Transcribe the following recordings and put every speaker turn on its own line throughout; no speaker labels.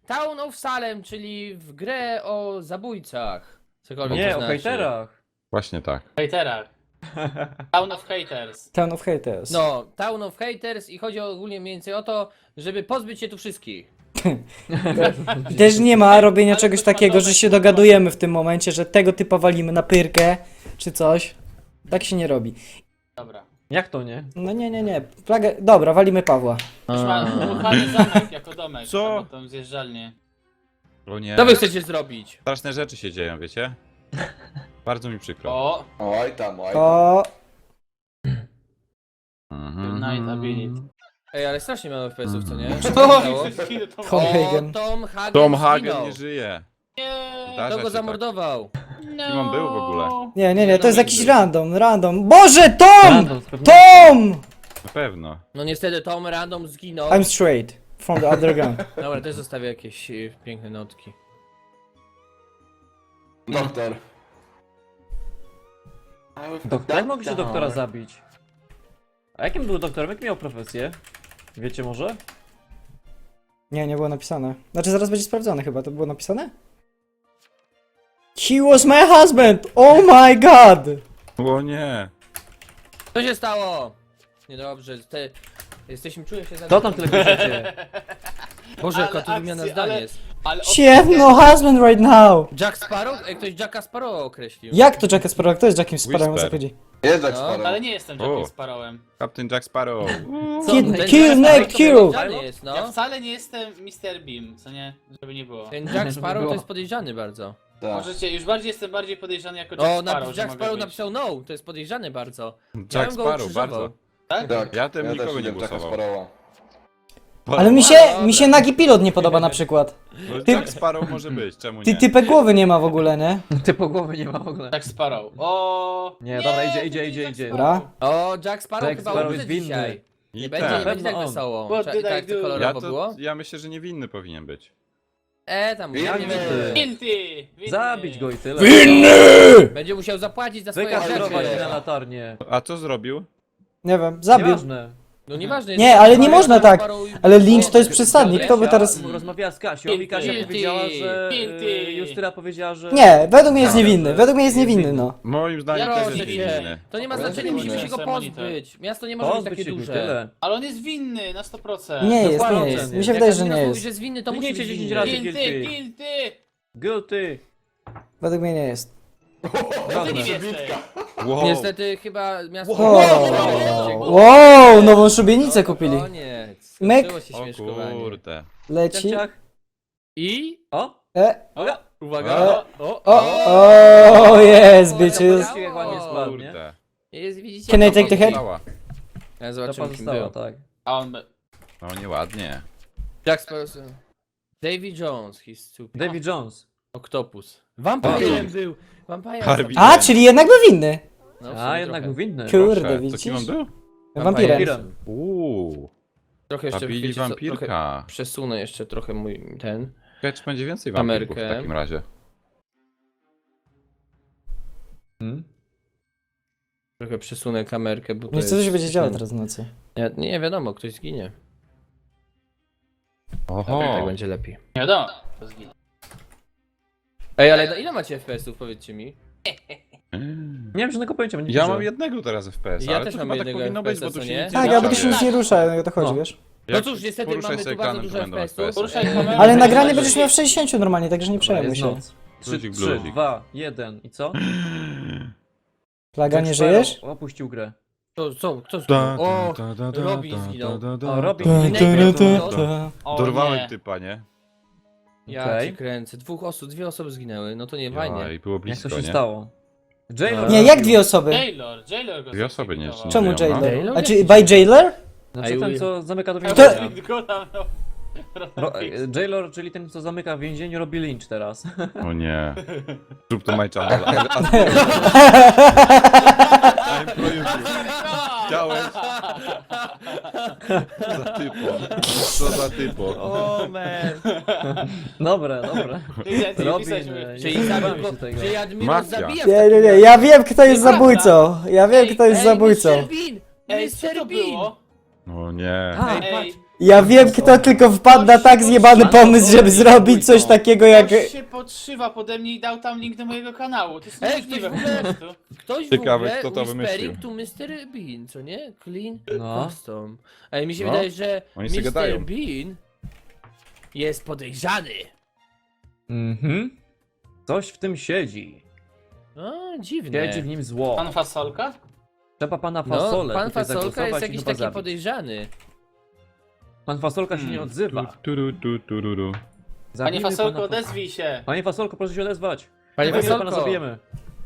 Town of Salem, czyli w grę o zabójcach. Cokolwiek
Nie,
to
o
znaczy.
hejterach.
Właśnie tak.
Hejterach. Town of Haters.
Town of Haters.
No, Town of Haters i chodzi ogólnie mniej więcej o to, żeby pozbyć się tu wszystkich.
Też nie ma robienia
Ale
czegoś
ktoś ma
takiego, że
domek,
się
kurwa.
dogadujemy w tym momencie, że tego typa walimy na pyrkę, czy coś. Tak się nie robi.
Dobra.
Jak to nie?
No nie. Flagę... Dobra, walimy Pawła.
Już ma uruchany zamek jako domek.
Co?
Albo tą zjeżdżalnię.
O nie.
Co wy chcecie zrobić?
Straszne rzeczy się dzieją, wiecie? Bardzo mi przykro.
O!
Oj tam.
O,
Mhm.
Night ability.
Ej, ale strasznie mało FPS-ów, co nie?
Mhm.
Co się stało?
Tom
O,
Hagen.
Tom Hagen
Tom Hagen
zginął.
nie żyje.
Nie!
Zdarza
Kto
się
go
tak.
zamordował?
No.
Kim on był w ogóle?
nie, to jest jakiś
był.
random. Boże, Tom!
Random, z pewnością.
Tom!
Na pewno.
No niestety Tom Random zginął.
I'm straight. From the underground.
Dobra, też zostawię jakieś piękne notki.
Doktor.
Jak mógł się doktora zabić? A jakim był doktorem? Jak miał profesję? Wiecie może?
Nie było napisane. Znaczy zaraz będzie sprawdzone chyba, to było napisane? He was my husband! Oh my god!
O nie.
Co się stało? Niedobrze, jesteśmy, czuję się za...
Co tam tyle piszecie?
Boże,
Ale
jaka tu wymiana
akcje,
zdań
ale-
jest.
Ale
She have no husband right now!
Jack Sparrow? Ej, ktoś Jacka Sparrow określił.
Jak to Jacka Sparrow? Kto jest Jackiem Sparrowem, o co
Whisper.
chodzi?
Jest jak
No,
Sparrow.
Ale nie jestem
O.
Jackiem Sparrowem.
Captain Jack Sparrow.
Kill,
Ten
kill,
Jack
neck,
Sparrow to
kill!
podejrzany jest,
Ja
no.
wcale nie jestem Mr. Beam, co nie? Żeby nie było.
Ten Jack Sparrow to
było.
jest podejrzany bardzo.
Tak.
Możecie, już jestem bardziej podejrzany jako
O,
Jack Sparrow, że
Jack
mogę
Sparrow
być.
napisał no, to jest podejrzany bardzo.
Jack
bym go
Sparrow,
ukrzyżował.
bardzo.
Tak?
Tak.
Ja tym
też
nikogo nie
lubię Jacka
głosował.
Sparrowa.
Ale mi się Nagi Pilot nie podoba na przykład.
No, Jack Sparrow może być, czemu nie?
Ty typek głowy nie ma w ogóle, nie?
Ty po głowie nie ma w ogóle.
Jack Sparrow. O!
Nie, dobra,
to
idzie,
nie
idzie,
Jack
idzie.
Dobra.
O, Jack Sparrow
Jack
chyba
Sparrow
umrze
jest winny.
dzisiaj.
I
Nie
tak.
będzie, nie będzie tak
Pewno on.
wesoło.
What did
Tak
I
to
do?
kolorowo było?
Ja myślę, że niewinny powinien być.
Tam
Winny.
ja nie wiem.
Guilty! Winny.
Zabić go i tyle.
Będzie musiał zapłacić za swoje
Wykastrować
rzeczy.
na latarnię.
A co zrobił?
Nie wiem, zabił.
Nieważne.
No nieważne.
Nie,
jest
ale
Jack
nie
Sparrow,
można
Jack
tak.
Sparrow i-
Ale Lynch to jest przesadnik, kto by teraz...
Rozmawiała z Kasią i Kasia
Guilty.
powiedziała, że...
Guilty.
Justyna powiedziała, że...
Nie, według mnie jest niewinny, według mnie jest niewinny, no.
Moim zdaniem
Ja
też
proszę
jest
cię.
niewinny.
To nie ma
Proszę
znaczenia,
cię,
musimy się go
proszę, monitor.
pozbyć. Miasto nie może być
Pozbyć
takie
się go i
duże.
tyle.
Ale on jest winny na 100%.
Nie jest,
Dokładnie.
nie jest. Mi się
Jak
wydaje, że
Admiros
nie
mówi,
jest.
że jest winny, to musi
Kliknijcie
być
10
winny.
razy.
Guilty,
Guilty.
guilty!
Guilty.
Według mnie nie jest.
Co ty nie jesteś?
Wow.
Niestety chyba miasto...
Wow, nową szubienicę kupili.
Koniec.
Myk.
Skończyło się
O
śmieszkowanie.
kurde.
Leci.
Ciach, ciach.
I...
O!
Uwaga!
Uwaga.
O, jest, bitches.
Zobaczcie, jak ładnie spadł, nie?
Kurde.
Jest, widzicie?
Can I take the head?
Cała.
Ja
To
zobaczymy kim
pozostało,
był.
tak.
A on...
No nieładnie.
Jack Sparrow... Davy Jones, he's stupid.
Davy Jones.
Octopus. Vampirem był. Vampire.
Harvey.
A, czyli jednak był winny.
No, w
A,
sumie
jednak
trochę.
był winny.
Kurde,
Proszę. To
widzisz?
kim on był?
Wampirem.
Wampirem.
Trochę jeszcze
Zabili
wiecie co, trochę
wampirka.
przesunę jeszcze trochę mój ten.
Kecz będzie więcej wampirów w
Kamerkę.
takim razie.
Trochę przesunę kamerkę, bo to
Nie co się
jest
będzie działo
ten-
teraz w nocy.
Nie wiadomo, ktoś zginie.
Oho.
Tak będzie lepiej.
Nie wiadomo. To zginął.
Ej, ale ile macie FPS-ów, powiedzcie mi?
Nie mam żadnego pojęcia, będzie
Ja
dużo.
mam jednego teraz FPS,
Ja
ale
też
to
mam
chyba tak
jednego
powinno być, bo
FPS-a,
tu
co
się
nie?
nic
Tak,
nie
ale to
dzieje.
się nic nie rusza, o to chodzi,
No.
wiesz?
No cóż, niestety
poruszaj
mamy
sobie
tu bardzo
ekranem,
dużo
to będą
FPS-ów.
FPS-y.
Poruszaj kamerą.
Ale nagranie
Zobaczysz.
będziesz miał w 60 normalnie, także nie
Dobra,
przejmuj
jest
się.
noc. 3,
Bluzik,
3,
bluzik.
2, 1 i co?
Plaga, nie
Jack
żyjesz?
Sparrow opuścił grę.
Kto zginął? O, Robin zginął.
O, Robin.
Dorwałem
nie.
typa, nie?
Ja
Okej.
cię kręcę. Dwie osoby zginęły, no to nie fajnie.
I było
Jak
blisko,
to się
nie?
stało? Jailor
Nie, jak dwie osoby?
Jailor go
Dwie osoby nie
zlikwidował.
Czemu
żyją, no.
jailer? A czy by jailer?
Znaczy
I
ten,
will.
co zamyka do
Kto?
więzienia.
Go tam, no.
Jailor, czyli ten, co zamyka w więzieniu, robi lynch teraz.
O nie. Zrób to my channel. Chciałeś? Co za typo. Co za typo.
O man.
Dobre, dobre. Robin,
Czyli zabił go,
się tego.
czyli Admiros
Mafia.
zabija w
Nie,
takim
nie,
razie.
ja wiem kto jest
Nieprawda.
zabójcą. Ja wiem kto jest
Ej,
zabójcą.
Mr. Bean!
Ej, co to
Mr. Bean!
było?
O nie.
A,
Ej,
Ej,
patrz.
Ja wiem, kto tylko wpadł na tak zjebany pomysł, żeby zrobić coś takiego jak...
Ktoś się podszywa pode mnie i dał tam link do mojego kanału. To jest
Ej,
niemożliwe
ktoś
po
w ogóle-
prostu.
Ktoś
Ciekawe,
w ogóle
kto to
whispering
wymyślił.
to Mr. Bean, co nie? Clean
No.
custom. Ej, mi się
No.
wydaje, że
Oni sobie
Mr.
gadają.
Bean jest podejrzany.
Mhm. Coś w tym siedzi.
No, dziwne.
Siedzi w nim zło.
Pan Fasolka?
Trzeba pana
No,
Fasolę
pan
tutaj
Fasolka
zagłosować
jest
i
jakiś
chyba
taki
zabić.
podejrzany.
Pan Fasolka się nie odzywa.
Tururu.
Panie
Zabijmy
Fasolko,
pana
odezwij się.
Panie Fasolko, proszę się odezwać.
Panie
Zabijemy pana,
Fasolko,
zabijemy.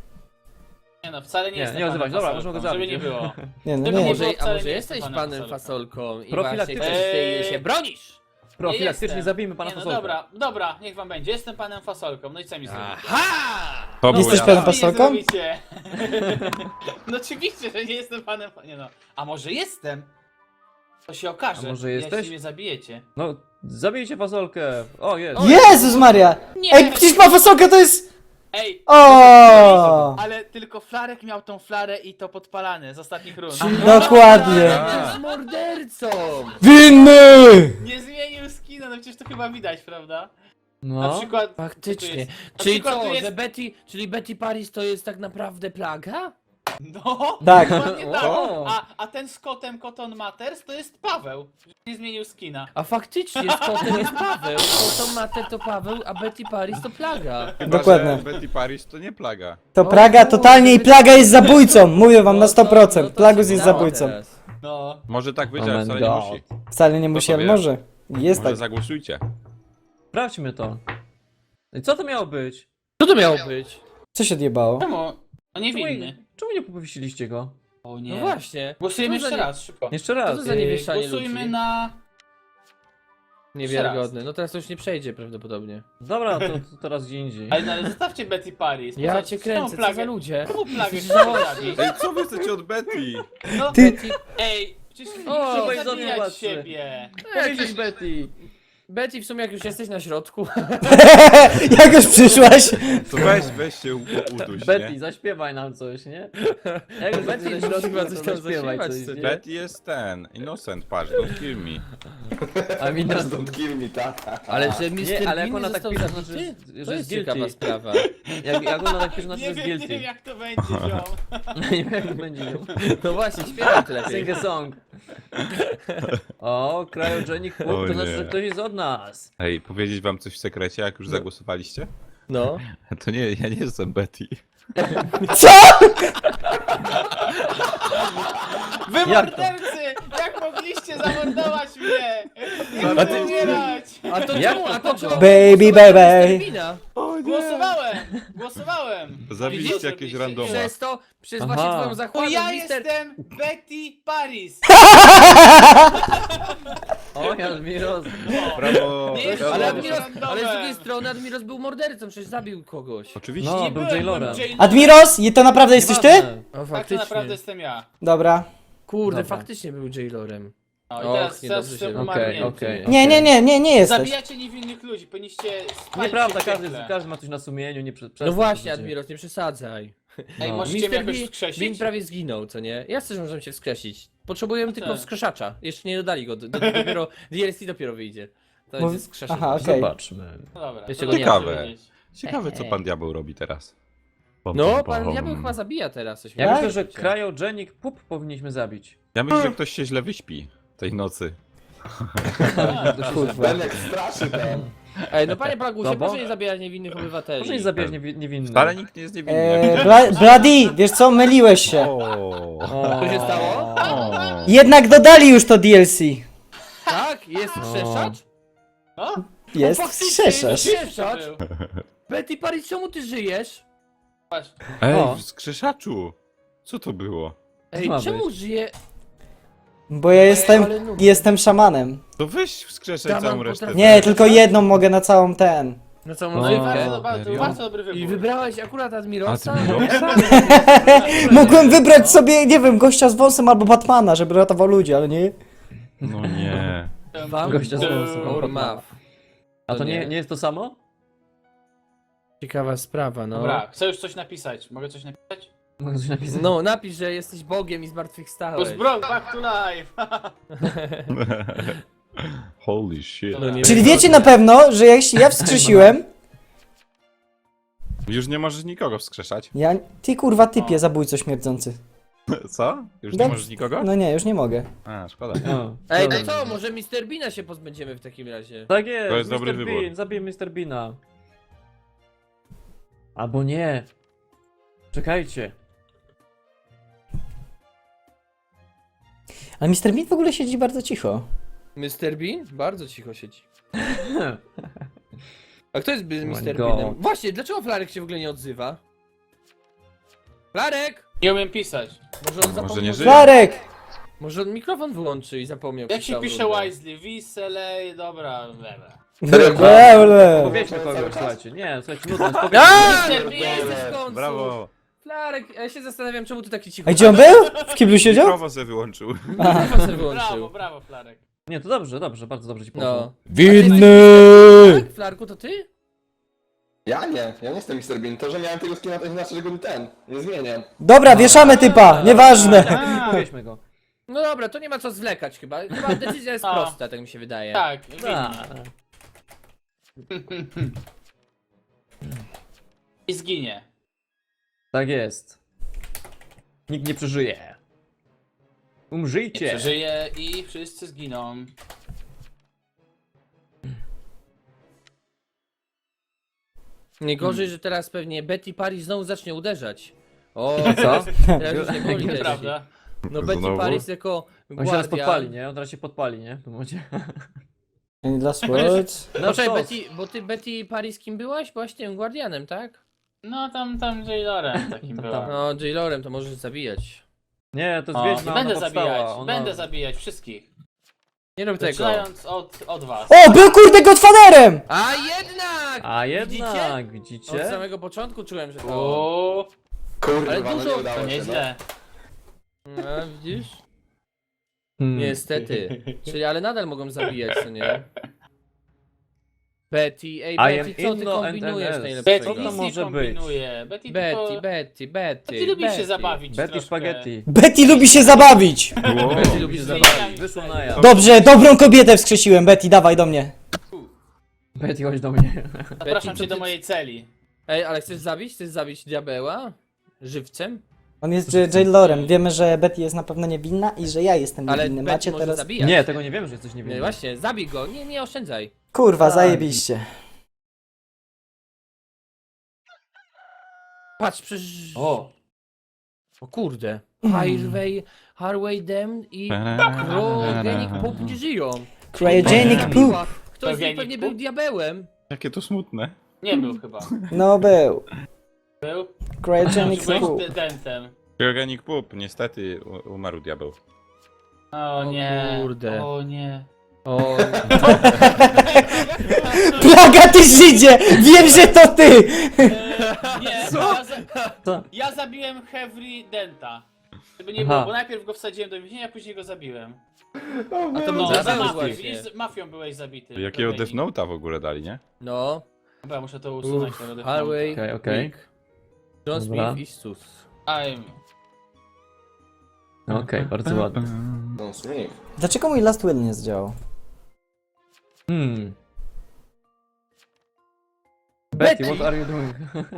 Nie no, wcale nie
Nie,
jestem
nie
panem
odzywaj się. Dobra,
Fasolką,
możemy go zabić.
żeby nie było.
Nie, no
Żeby
nie.
nie
może,
było,
a
wcale
może
nie
jesteś
jestem
panem
panem
Fasolką i
Profilaktycznie.
właśnie ty się bronisz?
Profilaktycznie
jestem.
zabijmy pana
Nie no,
Fasolka.
dobra, dobra, niech wam będzie. Jestem panem Fasolką, no i co mi zrobicie?
Aha!
To było
Jesteś
ja.
panem
Co mi
Fasolką?
zrobicie? No oczywiście, że nie jestem panem... Nie no, a może jestem? To się okaże,
A może
jeśli
jesteś?
mnie zabijecie.
No, zabijcie Fasolkę. O, jest.
Jezus Maria!
Nie!
Ej, przecież ma fasolkę, to jest...
Ej!
O!
Ale tylko Flarek miał tą flarę i to podpalane z ostatnich rund.
Dokładnie.
On jest mordercą!
Winny!
Nie zmienił skina, no przecież to chyba widać, prawda? Na
No.
przykład...
Faktycznie.
tu jest- na
Czyli
przykład
co,
tu jest-
że Betty Paris to jest tak naprawdę plaga?
No!
Tak.
Dokładnie tak.
O.
A ten z kotem Cotton Matters to jest Paweł. Nie zmienił skina.
A faktycznie z kotem jest Paweł. Koton Mater to Paweł, a Betty Paris to plaga.
Chyba,
Dokładnie.
że Betty Paris to nie plaga.
To Praga totalnie i Plaga jest zabójcą. Mówię wam na
No to
100%. Plagus
się
jest
dało
zabójcą.
teraz.
No.
Może tak być,
Oh
ale
my
wcale nie
God.
musi.
Wcale nie musi,
to
ale
wie?
może. Jest
Może
tak.
zagłosujcie.
Sprawdźmy to. I co to miało być?
Co to miało być?
Co się odjebało?
Czemu? On niewinny.
Czemu nie powiesiliście go?
O nie.
No właśnie.
Głosujemy
Co za
jeszcze
nie-
raz, szybko.
Jeszcze
Co
raz.
to za niewieszanie
Głosujmy
ludzi?
na...
Niewiarygodne. No teraz to już nie przejdzie prawdopodobnie.
Dobra, to teraz gdzie indziej.
Ale zostawcie Betty Paris.
Ja
Co-
cię
tą
kręcę, co za ludzie?
Czemu plagę
Jesteś
chcecie
żałosny.
zabić?
Ej, co wy chcecie od Betty?
No,
Ty-
ej, przecież
O,
nie
weź
chcę
do mnie
zabijać
łatwy.
siebie.
Powiedzieć Betty.
Betty, w sumie jak już jesteś na środku.
Jak już przyszłaś?
To weź się uduś,
Betty,
nie?
zaśpiewaj nam coś, nie? Jak już
Betty
jesteś na środku,
chyba
to
coś tam
zaśpiewaj
zaśpiewać
coś,
chce.
nie?
Betty jest ten, innocent, patrz, don't kill me.
A mi nas...
Ale że Mr.
Nie, ale jak
Bean
ona tak
został
pisze,
zabity?
znaczy,
To
że
jest
jest
ciekawa
guilty.
sprawa.
Jak ona tak pisze, znaczy, że
Nie
jest
wiem, nie wiem
guilty.
jak to będzie, ziom.
Nie wiem, jak to będzie.
No właśnie, śpiewaj to lepiej.
Sing a song. O, Cryogenic Poop,
O
to znaczy,
nie.
że ktoś jest od nas.
Ej, powiedzieć wam coś w sekrecie, jak już zagłosowaliście?
No.
To nie, ja nie jestem Betty.
Co?
Wy
Jak to?
mordercy! Jak mogliście zamordować mnie? Nie
A
chcę
ty-
umierać!
A to
Jak
czemu?
to
A to
kogo?
czemu?
Baby, baby.
Głosowałem!
Zabiliście
Widzisz,
jakieś
robiliście?
randoma.
Przez to, przez
Aha.
właśnie twoją
To
zachłanną,
ja
mister...
jestem Betty Paris!
O, Admiros.
Brawo!
Nie jest-
brawo.
Ale,
Brawo.
Admiros,
Randomem.
ale z drugiej strony Admiros był mordercą, przecież zabił kogoś.
Oczywiście.
No,
Nie
był
byłem,
Jailorem.
byłem
Admiros, i to naprawdę jesteś ty?
Nieważne.
O,
Tak, to
faktycznie.
naprawdę jestem ja.
Dobra.
Kurde,
Dobra.
faktycznie był Jailorem.
No i
Och,
teraz
niedobrze
jestem
się-
umarnięty.
okej.
Nie jesteś.
Zabijacie niewinnych ludzi, powinniście spalić
Nieprawda,
się w piekle.
każdy ma coś na sumieniu, nie
No właśnie, Admiros, nie przesadzaj.
Ej,
No.
możecie mnie jakoś
Bean
wskrzesić?
prawie zginął, co nie? Ja też możemy się wskrzesić. Potrzebujemy tylko
tak.
wskrzeszacza. Jeszcze nie dodali go, dopiero DLC dopiero wyjdzie. To
Bo-
jest wskrzeszacz.
Aha, okej.
Zobaczmy.
No dobra.
Jeszcze
to
go nie
dobrze
Ciekawe.
wiedzieć.
Ciekawe, co pan diabeł robi teraz.
No, pan diabeł chyba zabija teraz coś.
Ja
Tak?
myślę, że Cryogenic Poop powinniśmy zabić.
Ja myślę, że ktoś się źle wyśpi tej nocy.
Kurwa.
Ej, no panie Plagusie,
No bo-
proszę nie zabijać niewinnych obywateli.
Proszę nie zabijać niewinnych.
Wcale nikt nie jest niewinny.
Bloody, wiesz co, myliłeś się.
O.
Co się stało?
O.
Jednak dodali już to DLC.
Tak? Jest wskrzeszacz?
No?
Jest
faktycznie,
skrzeszasz.
jest wskrzeszacz.
To był.
Betty Paris, czemu ty żyjesz?
Patrz.
Ej,
O.
w skrzeszaczu! Co to było?
Ej,
ma
czemu
być?
żyje?
Bo ja
ale no-
jestem szamanem.
To weź wskrzeszaj
Daman
całą resztę.
potrafi-
Nie, tylko jedną mogę na całą ten.
Na całą
No
No i
i
rozgrywkę.
bardzo, to był bardzo dobry wybór.
I wybrałeś akurat Admirosa?
Admirosa?
Mogłem wybrać sobie, nie wiem, gościa z wąsem albo Batmana, żeby ratował ludzi, ale nie.
No nie.
Wam
Gościa z wąsem,
or
albo
Mav.
A to
To
nie,
nie.
nie jest to samo?
Ciekawa sprawa, no.
Dobra, chcę już coś napisać. Mogę coś napisać?
Mogę coś napisać?
No, napisz, że jesteś Bogiem i zmartwychwstałeś.
Bro, back to life!
Holy shit.
Dobra.
nie
Czyli
wiem,
wiecie
co
na
to
pewno, że jeśli ja wskrzesiłem...
Już nie możesz nikogo wskrzeszać.
Ty kurwa typie, zabójco śmierdzący.
Co? Już nie
No,
możesz nikogo?
No nie, już nie mogę.
A, szkoda.
No,
Ej,
dobra.
to co? Może Mr. Beana się pozbędziemy w takim razie.
Tak jest,
To jest dobry
Mr.
wybór.
Bean, zabiję Mr. Beana. Albo nie. Czekajcie.
Ale Mr. Bean w ogóle siedzi bardzo cicho.
Mr. Bean? Bardzo cicho siedzi. A kto jest Mr.
God.
Beanem? Właśnie, dlaczego Flarek się w ogóle nie odzywa? Flarek!
Nie umiem pisać.
Może on zapomniał...
nie żyje.
Flarek!
Może on mikrofon wyłączy i zapomniał.
Jak
przez
się
całą
pisze
rundę.
Wisely? Wiselej, dobra, dobra.
Powiedzmy kogoś, słuchajcie. Nie, słuchajcie, nudno, spokojnie.
A,
Mr.
nie jesteś w końcu!
Brawo.
Flarek, ja się zastanawiam, czemu ty taki cicho...
A gdzie on był? W kiblu siedział?
Mikrofon sobie wyłączył.
Mikrofon sobie
Brawo,
wyłączył.
brawo, Flarek.
Nie, to dobrze, dobrze, bardzo dobrze ci poszło.
No.
Winny!
Tak, Flarku, to ty?
Ja nie jestem Mr. Bean. To, że miałem tego skina, to nie znaczy, że go nie zmienię.
Dobra, wieszamy typa, nieważne.
Powieźmy go.
No dobra, to nie ma co zwlekać chyba. Chyba decyzja jest
A.
prosta, tak mi się wydaje.
Tak,
Da.
winnie. I zginie.
Tak jest. Nikt nie przeżyje. Umrzyjcie.
Przeżyje i wszyscy zginą.
Najgorzej, że teraz pewnie Betty Paris znowu zacznie uderzać. O,
Co?
teraz już nie boli też.
Nieprawda.
No Betty
Znowu?
Paris jako
On się teraz
guardian.
podpali, nie? On teraz się podpali, nie? W tym momencie.
Any last words?
No
Poczekaj,
co?
Betty, bo ty Betty Paris kim byłaś? Byłaś tym guardianem, tak?
No tam Jailorem takim
Tam.
była.
No, Jailorem to możesz zabijać.
Nie, to jest
O,
wiedźma,
będę
ona powstała,
zabijać,
ona-
będę zabijać wszystkich.
Nie rób tego.
Zaczynając od was.
O, był kurde Godfatherem!
A jednak!
A
Widzicie?
jednak,
Od
widzicie?
samego początku czułem, że to...
O,
Kurwa,
Ale
no
dużo-
nie
to
udało się.
nieźle.
No, widzisz?
Hmm.
Niestety. Czyli, ale nadal mogą zabijać, co nie? Betty, ej
I
Betty,
am
co ty
Inno and
kombinujesz
NS.
najlepszego?
Betty
Co to
nic nie
może
kombinuje. Betty
Betty,
tylko...
Betty.
Betty lubi się
Betty.
zabawić
Betty
troszkę.
Spaghetti.
Betty lubi się zabawić!
Betty lubi się zabawić.
Zmieniamy
Wyszło
się.
na ja.
Dobrze, dobrą kobietę wskrzesiłem, Betty, dawaj do mnie.
Betty, chodź do mnie.
Zapraszam
Betty,
cię
to
do
ty-
mojej celi.
Ej, ale chcesz zabić? Chcesz zabić diabeła? Żywcem?
On jest jailorem, wiemy, że Betty jest na pewno niewinna i że ja jestem
Ale
niewinny.
Betty
Macie
może
teraz...
zabijać.
Nie, tego nie wiem, że jesteś
Nie,
niewinny.
właśnie, zabij go. Nie, nie oszczędzaj.
Kurwa,
Tak.
zajebiście.
Patrz, przecież...
O.
O kurde.
Mm.
Harway Dem i Crogenic Pope nie żyją.
Cryogenic poop.
Ktoś z nich
Crogenic
pewnie
poop?
był diabełem.
Jakie to smutne.
Nie był chyba.
No był.
Był?
Cryogenic
Byłeś
poop.
dentem.
Organic Poop, niestety umarł diabeł.
O
O
nie.
kurde.
O nie.
O,
Plaga, ty Żydzie! Wiem, że to ty!
Nie,
Co?
ja zabiłem Heavy Denta. Żeby nie
Aha.
było, bo najpierw go wsadziłem do więzienia, a później go zabiłem.
a to był
No, za
diabeł
mafią,
właśnie.
widzisz, z mafią byłeś zabity.
Jakiego
Dobra,
Death Note'a w ogóle dali, nie?
no.
Dobra, muszę to usunąć.
Uff,
tego Death
Harway,
Okej, okej.
Nick, John
Dobra.
Smith i Sus.
Note'a.
Okej, bardzo ładnie.
No, Smith.
Dlaczego mój Last Will nie zdziałał?
Betty,
Betty!
what are you doing?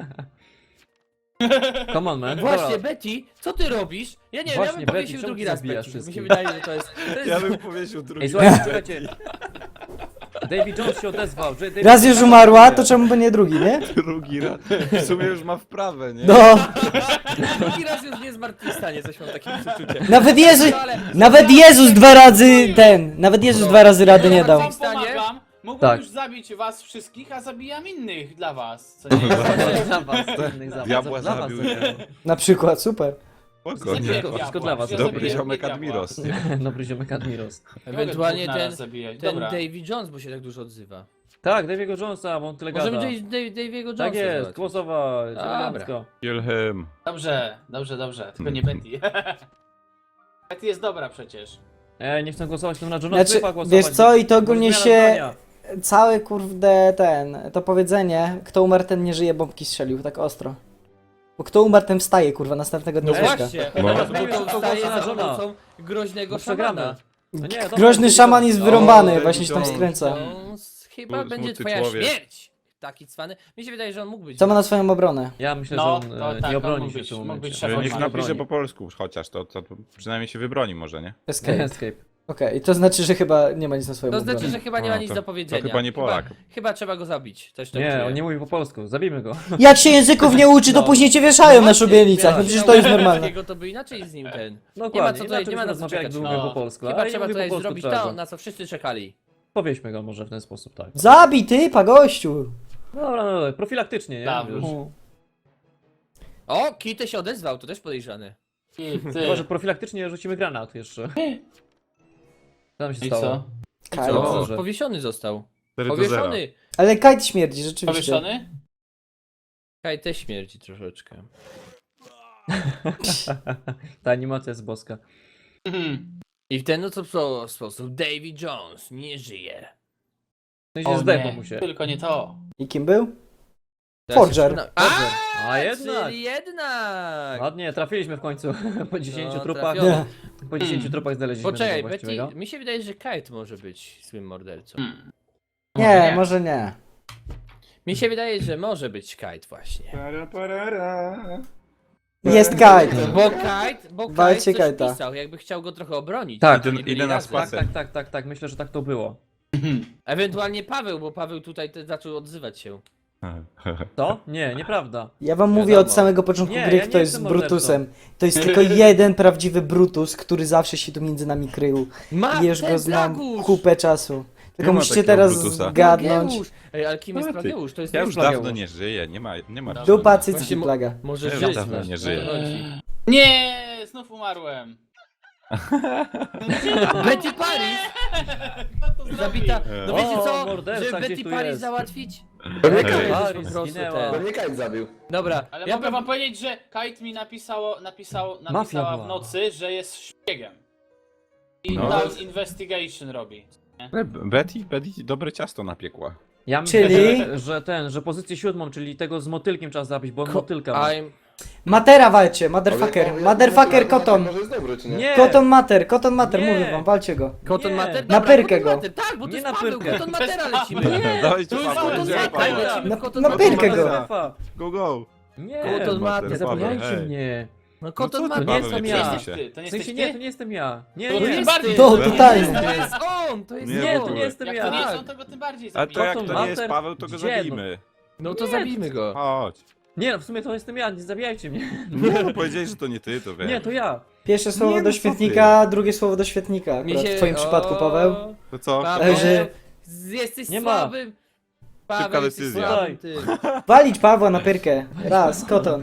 Come on, man.
Właśnie,
Dobra.
Betty, co ty robisz? Ja nie wiem, ja
Właśnie,
bym
Betty,
powiesił
czemu
drugi
ty
raz
zabijasz
Betty. Mi się
wszystkich?
wydaje, że to jest...
powiesił drugi.
Ej, słuchajcie, czekajcie. Davy Jones się odezwał. że Davy
Raz już
Jones
umarła,
się
to czemu by nie drugi, nie?
Drugi raz. W sumie już ma wprawę, nie?
No,
Drugi raz już nie zmartwychwstanie, coś mam takie przeczucie.
nawet Jezus dwa razy nawet Jezus dwa razy rady nie dał.
Wam pomagam. Mógłbym
Tak.
już zabić was wszystkich, a zabijam innych dla was. Co nie jest?
Dla was, innych za was.
Diabła
Dla was
zabił.
zabiłem.
Na przykład, super.
Spokojnie.
Zabiję
Wszystko dla was.
diabła.
Dobry
zabiję
ziomek
diabła.
Admiros. nie?
Dobry ziomek Admiros.
Ewentualnie
Mogę dwóch
ten,
naraz zabijać.
ten
Dobra.
Davy Jones, bo się tak dużo odzywa.
Tak, Davy'ego Jonesa, bo on tyle
Możemy
gada.
Davy'ego Jonesa
Tak jest,
załatwić.
głosować.
Dobra.
elegancko.
Kill him.
Dobrze. Tylko nie Betty. Betty jest dobra przecież.
Nie chcę głosować, to na Johna
Znaczy,
Smith'a głosować.
wiesz co, i to ogólnie
Zmiana
się...
zdania.
Całe kurde to powiedzenie, kto umarł ten nie żyje, bombki strzelił, tak ostro. Bo kto umarł ten wstaje, kurwa, następnego dnia
No
z łóżka.
właśnie,
No.
bo to wstaje za
Żona.
pomocą groźnego
No przegramy.
szamana.
No nie, dobra,
Groźny
to
szaman jest wyrąbany,
David
właśnie się tam
Jones.
skręca.
Chyba
Smutny
będzie twoja
człowiek.
śmierć! Taki cwany. Mi się wydaje, że on mógł być.
Co ma na swoją obronę?
Ja myślę,
No,
że on
to tak,
nie
on
obroni
mógł
się
być-
w tym
mógł
momencie.
być szefem
Niech
Nie
napisze
broni.
po polsku chociaż, to przynajmniej się wybroni może, nie?
Escape.
Escape.
Okej, to znaczy, że chyba nie ma nic na swoją
To
obronę.
znaczy, że chyba nie ma
A,
nic
to-
do
to
powiedzenia.
chyba nie Polak.
Chyba trzeba go zabić. Coś tak
Nie,
czuję.
on nie mówi po polsku, zabijmy go.
Jak się języków nie uczy, to
No.
później cię wieszają na
Właśnie,
szubienicach, no przecież to jest normalne.
Jego to by inaczej z nim ten.
No
Nie ma
dokładnie,
co tutaj,
inaczej
nie ma na co
rozmawiać,
czekać.
jakby mówił
No.
po polsku.
Chyba
ale nie
trzeba
mówi po
tutaj
polsku,
zrobić
trzeba
to,
go-
na co wszyscy czekali.
Powieźmy go może w ten sposób, tak.
Zabij typa, gościu!
Dobra, no, dobra, profilaktycznie, nie?
Tak,
Wiesz.
już.
O, Kitty się odezwał, to też podejrzany.
I ty.
Chyba, że profilaktycznie rzucimy granat jeszcze. Co tam się
I
stało?
co?
Kaj.
Co?
dobrze.
Powiesiony został.
4-0.
Powieszony.
Ale kajt śmierdzi, rzeczywiście.
Powieszony?
Kaj też śmierdzi troszeczkę.
Ta animacja jest boska.
Mhm.
I w ten oto sposób Davy Jones nie żyje.
W sensie
O
zdechło
nie,
mu się.
tylko nie to.
I kim był?
Teraz
Forger.
się przyna-
A jednak!
Czyli jednak!
Ładnie, trafiliśmy w końcu. Po 10
No,
trupach.
trafiony.
Po 10 trupach znaleźliśmy
Poczekaj,
tego
Betty,
właściwego.
mi się wydaje, że Kite może być złym mordercą.
Hmm.
Nie, może nie.
Mi się wydaje, że może być Kite właśnie.
Jest kajt.
Bo
Walcie
Kite coś
Kite'a.
pisał, jakby chciał go trochę obronić.
Tak.
żeby nie
Idę
byli
na
razem.
spacer.
Tak, myślę, że tak to było.
Ewentualnie Paweł, bo Paweł tutaj zaczął odzywać się.
To? Nie, nieprawda.
Ja wam mówię
Wiadomo.
od samego początku
Nie,
gry,
ja
kto
nie
jest
jestem mordercą.
Brutusem. To jest tylko jeden prawdziwy Brutus, który zawsze się tu między nami krył. I już go znam kupę czasu. Tylko
Nie ma
musicie
takiego
teraz
Brutusa.
zgadnąć.
Plageusz! Ej, ale kim jest
Ale ty,
Plageusz? To jest
Ja już
Plageusz.
dawno nie żyję, nie ma.
Dupa, cycki,
Właśnie mo-
plaga.
Może
Ja już
żyć.
dawno nie żyję.
Nie, znów umarłem.
Betty Paris!
Kto to
Zabita. No
O,
wiecie co?
morderca
Żeby
gdzieś
Betty
tu
Paris
jest.
załatwić?
To nie
Ej.
kajt,
Paris
po prostu
zginęła.
to nie kajt zabił.
Dobra,
Ale
ja
mogę
bym...
wam powiedzieć, że Kite mi napisała
Mafia
w
była.
nocy, że jest szpiegiem. I
No.
tam investigation robi.
Betty dobre ciasto napiekła.
Ja myślę,
Czyli?
że pozycję 7, czyli tego z motylkiem trzeba zabić, bo on motylka ma.
I'm...
Matera walcie, motherfucker. Motherfucker Koton.
Może jest dobry, czy nie?
Nie!
Koton Mater,
Nie.
mówię wam, walcie go.
Cotton
Nie.
Mater?
Na
Dobra,
pyrkę
Cotton
go.
Mater. Tak, bo to
Nie
jest
na
Paweł,
pyrkę.
Cotton Matera lecimy.
Dawajcie
To jest
Paweł,
Cotton
idziemy,
Mater,
Paweł.
lecimy w Cotton
Na
Mater.
pyrkę go.
Szefa.
Go!
Nie,
Cotton Mater.
nie zabijajcie
hej.
mnie.
No
co
Cotton
ty,
Mater.
nie
Paweł,
jestem
nie
ja.
przejmuj
Ty,
się.
to nie
W
jesteś
sensie nie,
ty?
to nie jestem ja. Nie,
To
nie.
tym
jest
bardziej.
ty.
To
To
totalnie.
jest on, to jest
Nie,
on.
to nie jestem
Jak
ja.
to nie jest
Tak.
on, to go tym bardziej
A to jak
zabije.
to nie jest
Mater?
Paweł, to go
Gdzie?
zabijmy.
No to
Nie.
zabijmy go.
Chodź.
Nie, no w sumie to jestem ja, nie zabijajcie mnie.
Nie, no powiedziałeś, że to nie ty, to wiem.
Nie, to ja.
Pierwsze słowo
Nie,
do
no co
świetnika, drugie słowo do świetnika.
Mi
Akurat
się...
w twoim przypadku, Paweł.
To co?
Paweł,
Że-
jesteś
Nie ma.
słabym. Paweł,
Szybka
jesteś
decyzja.
słabym tym.
Walić Pawła na pyrkę. Raz, Koton.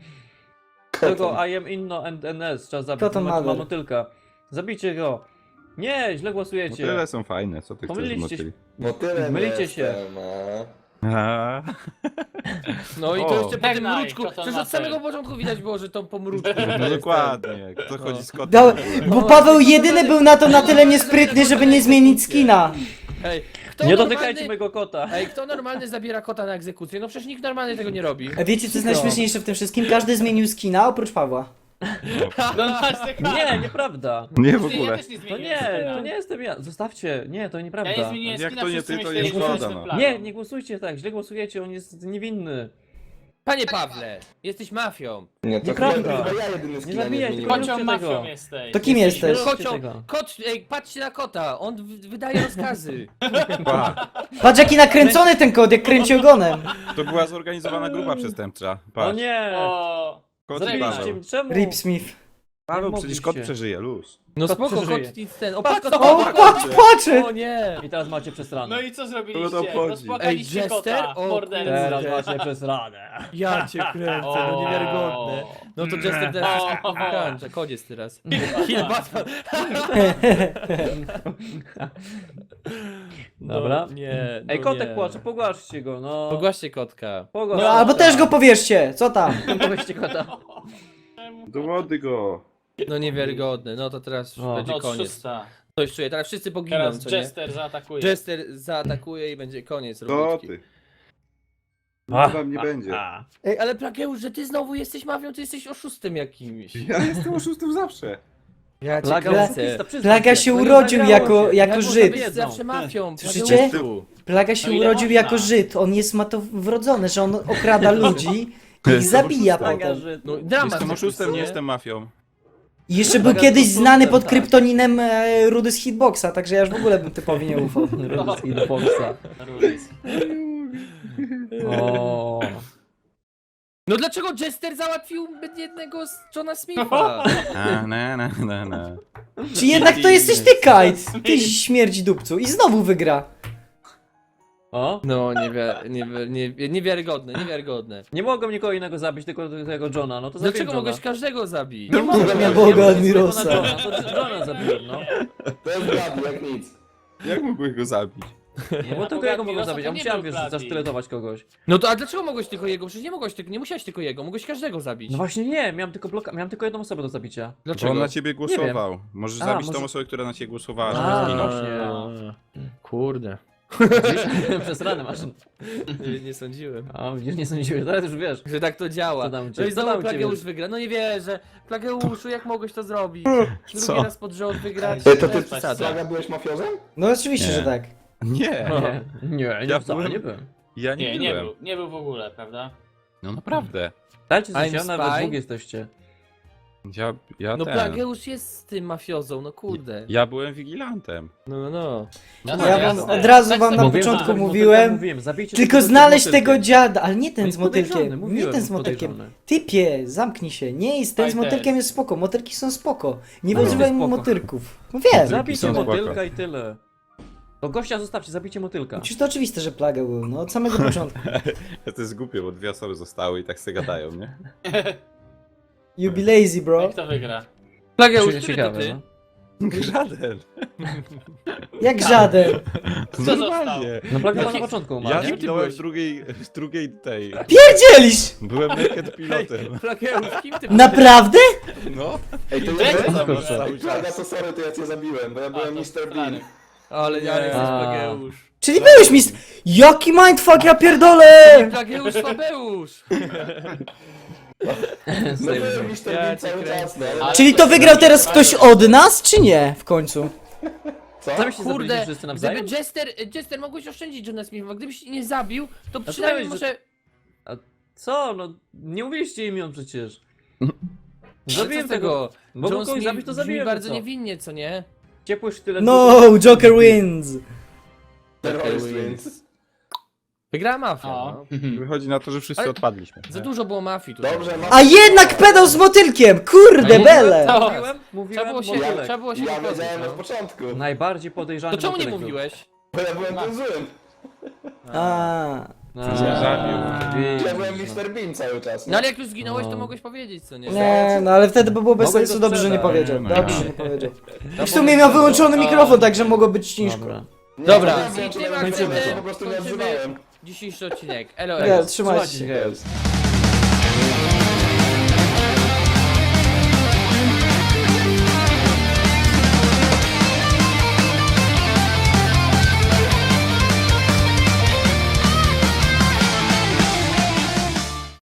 Tego I am Inno and NS trzeba zabić,
Koton
ma
Mother.
motylka. Zabijcie go. Nie, źle głosujecie.
Motyle są fajne, co ty chcesz z
Pomyliliście
motyli?
Motylem
Mylicie się.
jestem, a.
A,
No i to
O.
jeszcze po tym
Żegnaj,
mruczku.
Cotton
Przecież od
Mater.
samego początku widać było, że to po mruczku.
No dokładnie, kto chodzi z kotem?
Dał, bo Paweł jedyny był na to na tyle niesprytny, żeby nie zmienić skina.
Hej, kto
Nie
normalny...
dotykajcie mojego kota.
Ej, kto normalny zabiera kota na egzekucję? No przecież nikt normalny tego nie robi.
A wiecie co jest najśmieszniejsze w tym wszystkim? Każdy zmienił skina oprócz Pawła.
No masz te
Nie, nieprawda.
Nie w
Ja
ogóle.
też nie
To
zmieniłem
nie,
skina.
to nie jestem ja. Zostawcie. Nie, to
Ja
nieprawda.
nie zmieniłem
Jak
skina,
to nie
wszyscy
ty, to
myśleli,
nie
że
szkoda,
jestem
no.
plagą.
Nie, nie głosujcie tak, źle głosujecie, on jest niewinny.
Panie Pawle, jesteś mafią.
Nie, to
Nieprawda.
chyba ja jedyny skina nie
zabijaj,
zmieniłem.
tylko-
Kocią
Róbcie tego.
mafią jesteś.
To kim jesteś?
Róbcie
Kocią,
tego.
kot, ej, patrzcie na kota, on wydaje rozkazy.
Pa,
Patrz jaki nakręcony ten kot, jak kręci ogonem.
to była zorganizowana grupa przestępcza.
O
Patrz,
nie!
O,
kot i
zrejście
Paweł.
Zabiliście mnie, czemu?
Rip Smith.
Paweł,
Nie
przecież kot
mogliście.
przeżyje, luz.
No
Kot
spoko,
przeżyje.
kot nic ten. O,
Patrz,
patrz,
kot-
O, patrz, płacze!
O nie!
I teraz macie przesrane.
No i co
Kogo
zrobiliście?
to obchodzi?
Rozpłakaliście
Ej, Jester?
kota,
O,
mordercy.
Teraz macie przesrane.
Ja cię kręcę, no niewiarygodne. No to Jester teraz wszystko wykańcza, koniec teraz. Kill Batman.
Dobra.
No, nie, no
Ej, kotek
nie.
płacze, pogłaszcie go, no.
Pogłaszcie kotka.
Pogłaszcie.
No albo też go powierzcie, co tam?
Pogłaszcie kota.
Do wody go.
No niewiarygodne, no to teraz już
O.
będzie
No,
koniec.
szósta.
Coś czuję, teraz wszyscy poginą,
Teraz
co nie?
Jester zaatakuje.
Jester zaatakuje i będzie koniec
To
robótki.
ty. No tam nie będzie.
Ej, ale Plageusz, że ty znowu jesteś mafią, ty jesteś oszustem jakimś.
Ja jestem oszustem zawsze.
Ja cię
Plaga
kręcę.
oszukista, przyznaj
Plaga
się.
się
No nie
urodził
nagrało się.
jako
Jak
Żyd.
można
Jest zawsze mafią.
Słyszycie?
Plageusu.
Plaga się
No ile
urodził
można?
jako Żyd, on ma to wrodzone, że on okrada ludzi i ich zabija
Plaga,
potem.
że...
No dramat.
Jestem oszustem, nie
nie?
jestem mafią.
I jeszcze był
Plaga
kiedyś
to
znany
super,
pod
tak.
kryptoninem Rudy z Hitboxa, także ja już w ogóle bym typowi nie ufał.
Rudy z Hitboxa.
Rulis.
O.
No dlaczego Jester załatwił jednego z Johna Smitha?
Na.
Czy jednak to jesteś ty, Kite? Ty śmierdzi dupcu. I znowu wygra.
O?
No niewiarygodne.
Nie mogłem nikogo innego zabić, tylko tego Johna, no to zabiłem
Dlaczego
Johna.
mogłeś każdego zabić?
Nie mogłem,
Na
ja
Boga,
mogłem
Admirosa.
tylko na Johna, to Johna zabiłem, no.
To jest Blady, jak nic.
Jak mógłbyś go zabić?
No bo tylko jego mogłem zabić, ja musiałem, wiesz, zasztyletować kogoś.
No to a dlaczego mogłeś tylko jego? Przecież nie musiałeś tylko jego, mogłeś każdego zabić.
No właśnie nie, miałem tylko jedną osobę do zabicia.
Bo
Dlaczego?
on na ciebie głosował. Możesz
A,
zabić
może-
tą osobę, która na ciebie głosowała,
A,
żeby zginął.
właśnie.
Kurde.
Przez ranę masz.
Nie sądziłem.
A widzisz, nie sądziłem, teraz już wiesz.
Że tak to działa.
Co tam u
No
ciebie?
i
Co tam
znowu
u ciebie?
Plageusz wygra. No nie wierzę. Plageuszu, jak mogłeś to zrobić?
Co?
Drugi raz pod rząd wygrać.
To
To
ty,
jest przesada.
Plaga, byłeś mafiozem?
No oczywiście,
Nie.
że tak.
Nie,
Nie,
Ja
wcale
byłem-
nie byłem.
ja nie
Nie
byłem.
nie był w ogóle, prawda?
No naprawdę.
Dajcie
I'm
coś, nawet
spy.
dwóch jesteście.
Ja
No
ten.
Plageusz jest tym mafiozą, no kurde.
Ja byłem wigilantem.
No.
Ja wam
jasne.
od razu
Tak
wam na
samo.
początku
tak,
mówiłem,
zabijcie
tylko
tego
znaleźć
motylkiem.
tego dziada, ale nie ten
Jest
z motylkiem.
podejrzany,
Nie
mówiłem,
ten z
jest
motylkiem.
podejrzany.
Typie, zamknij się. Nie jest ten z
Fajter.
motylkiem jest spoko. Motylki są spoko. Nie
No,
używaj
spoko.
motylków. No wiem.
Zabijcie
są spoko.
motylka i tyle. To gościa zostawcie, zabijcie motylka.
Przecież to oczywiste, że plaga był, no od samego początku.
To jest głupie, bo dwie osoby zostały i tak se gadają, nie?
You be lazy, bro.
Jak to wygra?
Plageusz, który to
Ciekawe,
ty?
no.
Żaden.
Jak żaden.
Kto
Normalnie.
No plaga na
Jaki-
początku umarł,
Ja
nie?
zginąłem w drugiej tej.
Pierdzielisz!
Byłem naked pilotem.
Plageusz, kim ty
Naprawdę?
No.
Ej, to
Jak
ja
to
byłem
kurczę?
cały Plaga, to sorry, to ja cię zabiłem, bo ja byłem Mr. Bean.
Ale ja jestem
A.
Plageusz.
Czyli byłeś Jaki mindfuck, ja pierdolę!
Plageusz Fabeusz!
No byłem Mr.
Ja
Bean
cię
cały
kręcę.
czas, no. ale-
Ale
Czyli to wygrał teraz ktoś od nas, czy nie? W końcu.
Co?
Sami się zabiliście
Kurde,
wszyscy nawzajem?
gdyby Jester mogłeś oszczędzić Johna Smitha, bo gdybyś nie zabił, to
to
przynajmniej
dałeś,
może...
Co? No, nie mówiliście imion przecież.
Ale
Zabiłem
co z tego?
Bo
John
kogoś
Smith
zabić, to
brzmi
zabiłem.
bardzo
co?
niewinnie, co nie?
Ciepły sztylet.
No, Joker wins.
Terrorist wins.
Wygrała mafia,
O.
no.
Wychodzi na to, że wszyscy
Ale-
odpadliśmy.
Za dużo było mafii tutaj.
Dobrze,
A jednak pedał z motylkiem! Kurde, bele!
To-
Mówiłem,
Trzeba było się,
motylek.
trzeba było się
ja
wypowiedzieć,
wiedziałem
no.
od początku,
Najbardziej podejrzany
To czemu nie
motylek był.
mówiłeś?
bo ja byłem tym złym.
A,
A,
Zabił.
widzisz,
Ja byłem
no.
Mr. Bean cały czas.
No ale jak już zginąłeś, to
No.
mogłeś powiedzieć, co nie?
nie, no ale wtedy by było bez
Mogłeś
sensu,
go
dobrze, że nie
sprzedać.
powiedział.
No,
Dobrze,
no.
że nie powiedział. I w sumie miał wyłączony mikrofon, także mogło być ciężko.
Dobra.
Nie,
Dobra,
nie,
i
nie,
tym
nie,
akcentem
nie, po prostu nie
kończymy
odzywałem.
dzisiejszy odcinek. Elo,
Nie,
elo.
trzymajcie się.
Słuchajcie, hej.